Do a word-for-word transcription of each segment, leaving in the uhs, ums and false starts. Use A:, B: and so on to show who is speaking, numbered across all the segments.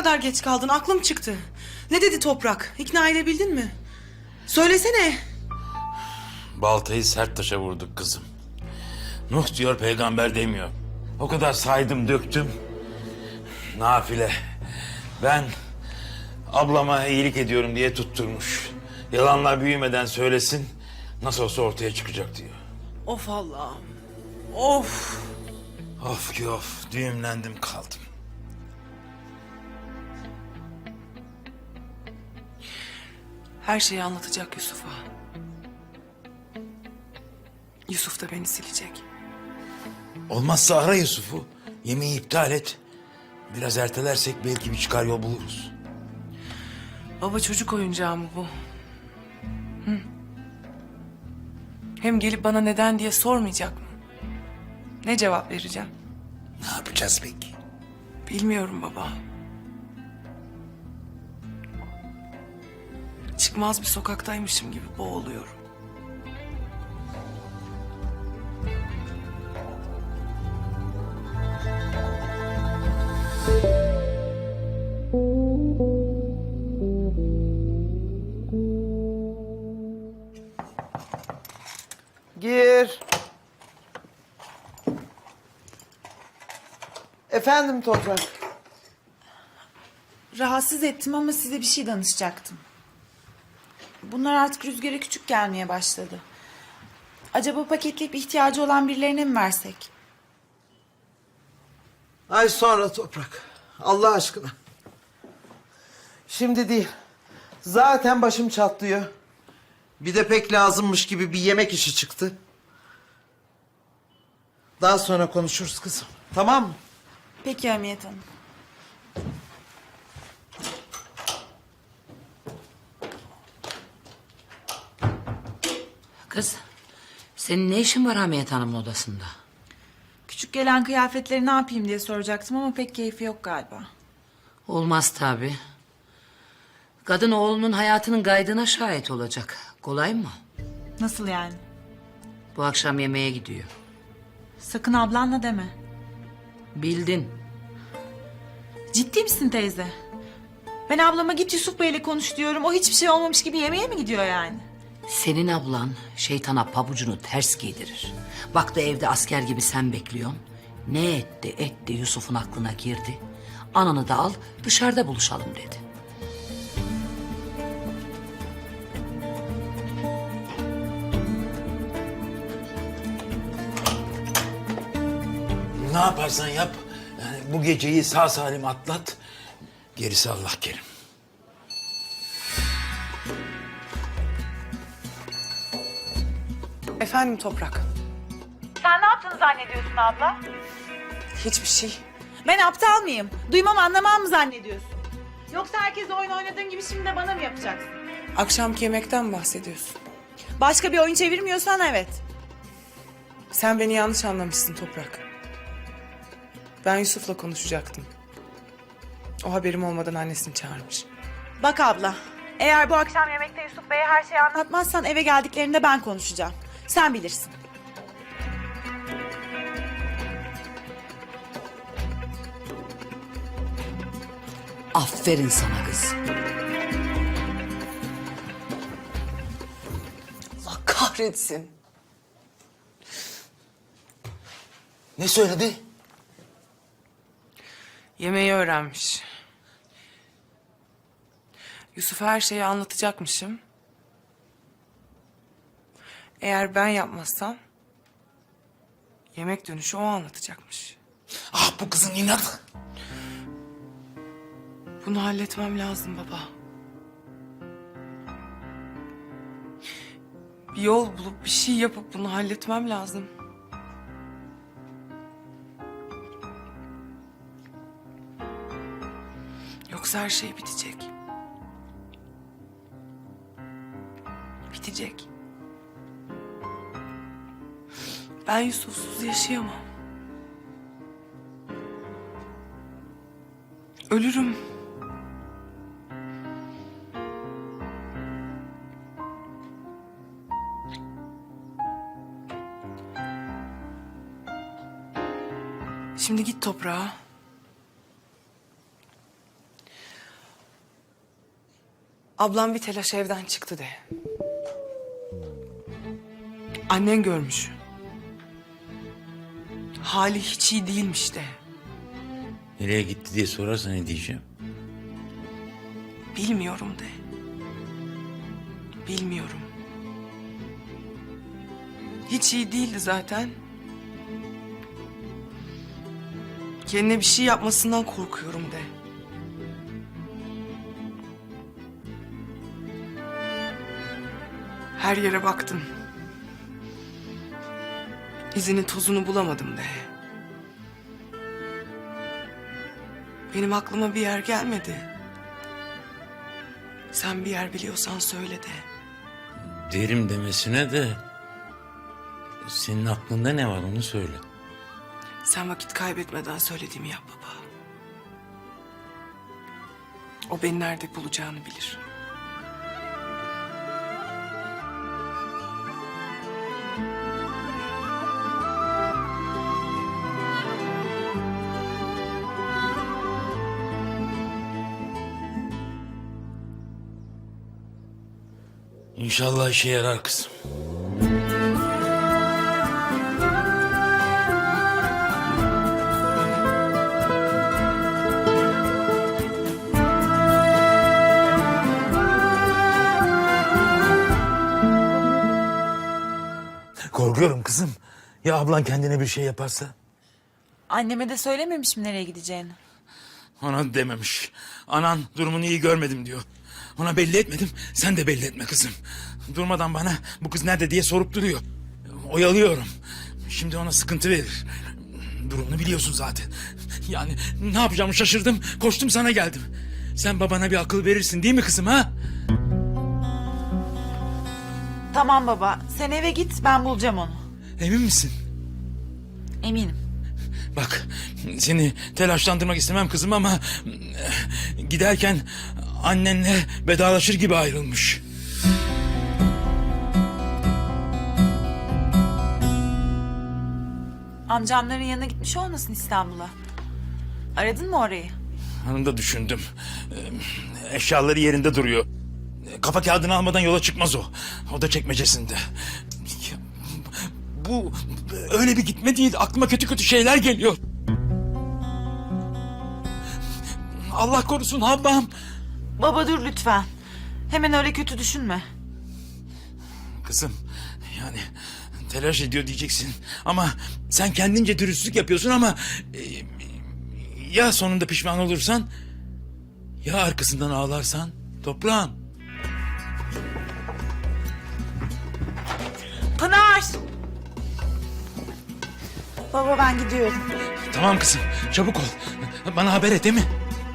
A: kadar geç kaldın? Aklım çıktı. Ne dedi Toprak? İkna edebildin mi? Söylesene.
B: Baltayı sert taşa vurduk kızım. Nuh diyor, peygamber demiyor. O kadar saydım, döktüm. Nafile. Ben ablama iyilik ediyorum diye tutturmuş. Yalanlar büyümeden söylesin, nasıl olsa ortaya çıkacak diyor.
A: Of Allah'ım. Of.
B: Of ki of, düğümlendim kaldım.
A: Her şeyi anlatacak Yusuf'a. Yusuf da beni silecek.
B: Olmazsa ara Yusuf'u, yemeği iptal et. Biraz ertelersek belki bir çıkar yol buluruz.
A: Baba, çocuk oyuncağı mı bu? Hı? Hem gelip bana neden diye sormayacak mı? Ne cevap vereceğim?
B: Ne yapacağız peki?
A: Bilmiyorum baba. Çıkmaz bir sokaktaymışım gibi boğuluyorum.
C: Gir. Efendim Toprak.
D: Rahatsız ettim ama size bir şey danışacaktım. Bunlar artık Rüzgar'a küçük gelmeye başladı. Acaba paketleyip ihtiyacı olan birilerine mi versek?
C: Ay sonra Toprak. Allah aşkına. Şimdi değil. Zaten başım çatlıyor. Bir de pek lazımmış gibi bir yemek işi çıktı. Daha sonra konuşuruz kızım. Tamam mı?
D: Peki Hamiyet Hanım.
E: Kız, senin ne işin var Hamiyet Hanım'ın odasında?
D: Küçük gelen kıyafetleri ne yapayım diye soracaktım ama pek keyfi yok galiba.
E: Olmaz tabii. Kadın oğlunun hayatının gaydına şahit olacak. Kolay mı?
D: Nasıl yani?
E: Bu akşam yemeğe gidiyor.
D: Sakın ablanla deme.
E: Bildin.
D: Ciddi misin teyze? Ben ablama git Yusuf Bey'le konuş diyorum. O hiçbir şey olmamış gibi yemeğe mi gidiyor yani?
E: Senin ablan şeytana pabucunu ters giydirir. Baktı evde asker gibi sen bekliyorsun. Ne etti etti Yusuf'un aklına girdi. Ananı da al dışarıda buluşalım dedi.
B: Ne yaparsan yap, yani bu geceyi sağ salim atlat. Gerisi Allah kerim.
A: Efendim Toprak.
D: Sen ne yaptığını zannediyorsun abla?
A: Hiçbir şey.
D: Ben aptal mıyım? Duymam anlamam mı zannediyorsun? Yoksa herkes oyun oynadığın gibi şimdi de bana mı yapacaksın?
A: Akşamki yemekten mi bahsediyorsun?
D: Başka bir oyun çevirmiyorsan evet.
A: Sen beni yanlış anlamışsın Toprak. Ben Yusuf'la konuşacaktım. O haberim olmadan annesini çağırmış.
D: Bak abla, eğer bu akşam yemekte Yusuf Bey'e her şeyi anlatmazsan eve geldiklerinde ben konuşacağım. Sen bilirsin.
E: Aferin sana kız.
A: Allah kahretsin.
B: Ne söyledi?
A: Yemeği öğrenmiş. Yusuf'a her şeyi anlatacakmışım. Eğer ben yapmazsam yemek dönüşü o anlatacakmış.
B: Ah, bu kızın inadı.
A: Bunu halletmem lazım baba. Bir yol bulup bir şey yapıp bunu halletmem lazım. Yoksa her şey bitecek. Bitecek. Ben Yusuf'suz yaşayamam. Ölürüm. Şimdi git toprağa. Ablam bir telaş evden çıktı de. Annen görmüş. Hali hiç iyi değilmiş de.
B: Nereye gitti diye sorarsa ne diyeceğim?
A: Bilmiyorum de. Bilmiyorum. Hiç iyi değildi zaten. Kendine bir şey yapmasından korkuyorum de. Her yere baktım. İzini tozunu bulamadım de. Benim aklıma bir yer gelmedi. Sen bir yer biliyorsan söyle de.
B: Derim demesine de... Senin aklında ne var onu söyle.
A: Sen vakit kaybetmeden söylediğimi yap baba. O beni nerede bulacağını bilir.
B: İnşallah işe yarar kızım. Korkuyorum kızım. Ya ablan kendine bir şey yaparsa?
D: Anneme de söylememişim nereye gideceğini.
B: Ona dememiş. Anan durumunu iyi görmedim diyor. Ona belli etmedim. Sen de belli etme kızım. Durmadan bana bu kız nerede diye sorup duruyor. Oyalıyorum. Şimdi ona sıkıntı verir. Durumunu biliyorsun zaten. Yani ne yapacağımı şaşırdım. Koştum sana geldim. Sen babana bir akıl verirsin değil mi kızım ha?
D: Tamam baba, sen eve git, ben bulacağım onu.
B: Emin misin?
D: Eminim.
B: Bak seni telaşlandırmak istemem kızım ama... ...giderken annenle vedalaşır gibi ayrılmış.
D: Amcamların yanına gitmiş olmasın İstanbul'a? Aradın mı orayı?
B: Onu da düşündüm. Ee, Eşyaları yerinde duruyor. Kafa kağıdını almadan yola çıkmaz o. O da çekmecesinde. Ya, Bu öyle bir gitme değil. Aklıma kötü kötü şeyler geliyor. Allah korusun Havvam.
D: Baba dur lütfen. Hemen öyle kötü düşünme.
B: Kızım yani telaş ediyor diyeceksin. Ama sen kendince dürüstlük yapıyorsun ama... e, ya sonunda pişman olursan... Ya arkasından ağlarsan toprağım.
D: Pınar! Baba ben gidiyorum.
B: Tamam kızım çabuk ol. Bana haber et değil mi?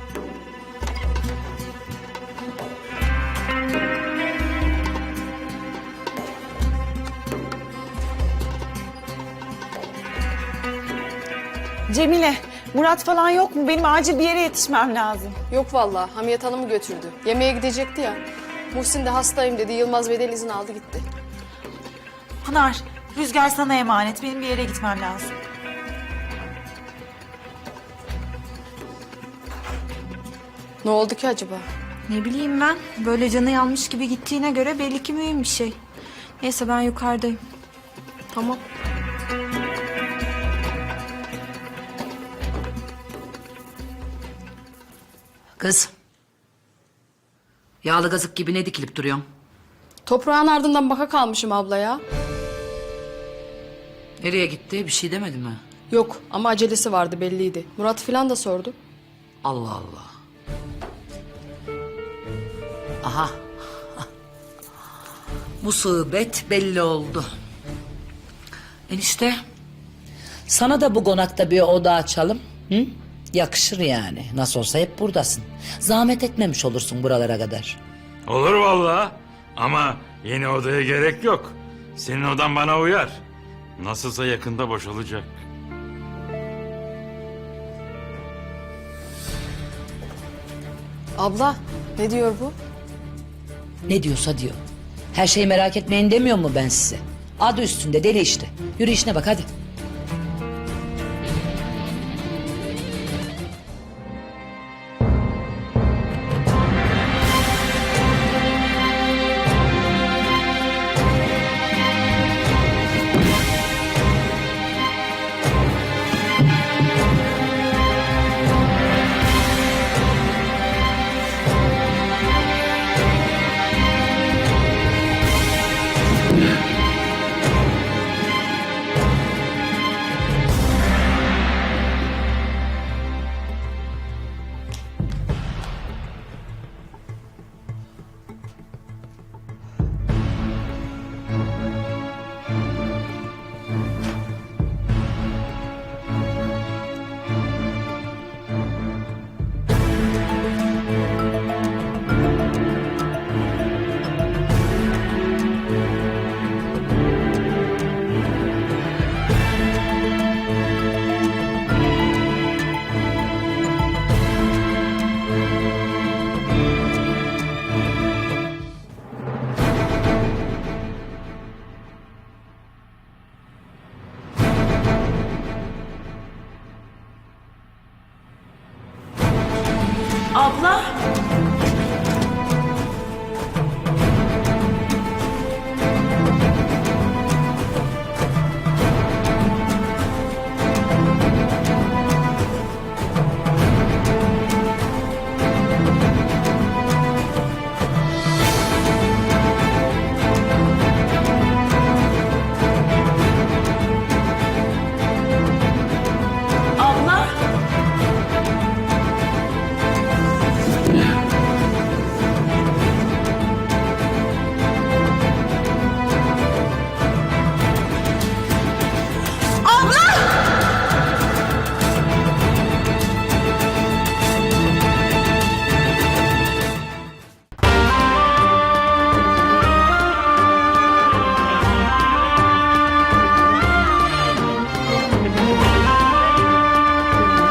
D: Cemile, Murat falan yok mu? Benim acil bir yere yetişmem lazım.
F: Yok vallahi Hamiyet Hanım'ı götürdü. Yemeğe gidecekti ya. Muhsin de hastayım dedi. Yılmaz Bey'den izin aldı gitti.
D: Pınar, Rüzgar sana emanet. Benim bir yere gitmem lazım.
F: Ne oldu ki acaba?
G: Ne bileyim ben. Böyle canı yanmış gibi gittiğine göre belli ki mühim bir şey. Neyse ben yukarıdayım.
F: Tamam.
E: Kız. Yağlı gazık gibi ne dikilip duruyorsun?
F: Toprağın ardından baka kalmışım abla ya.
E: Nereye gitti? Bir şey demedi mi?
F: Yok ama acelesi vardı belliydi. Murat falan da sordu.
E: Allah Allah. Aha. Musibet belli oldu. Enişte. Sana da bu konakta bir oda açalım. Hı? Yakışır yani. Nasıl olsa hep buradasın. Zahmet etmemiş olursun buralara kadar.
B: Olur vallahi. Ama yeni odaya gerek yok. Senin odan bana uyar. Nasılsa yakında boşalacak.
F: Abla ne diyor bu?
E: Ne diyorsa diyor. Her şeyi merak etmeyin demiyor mu ben size? Adı üstünde deli işte. Yürü işine bak hadi.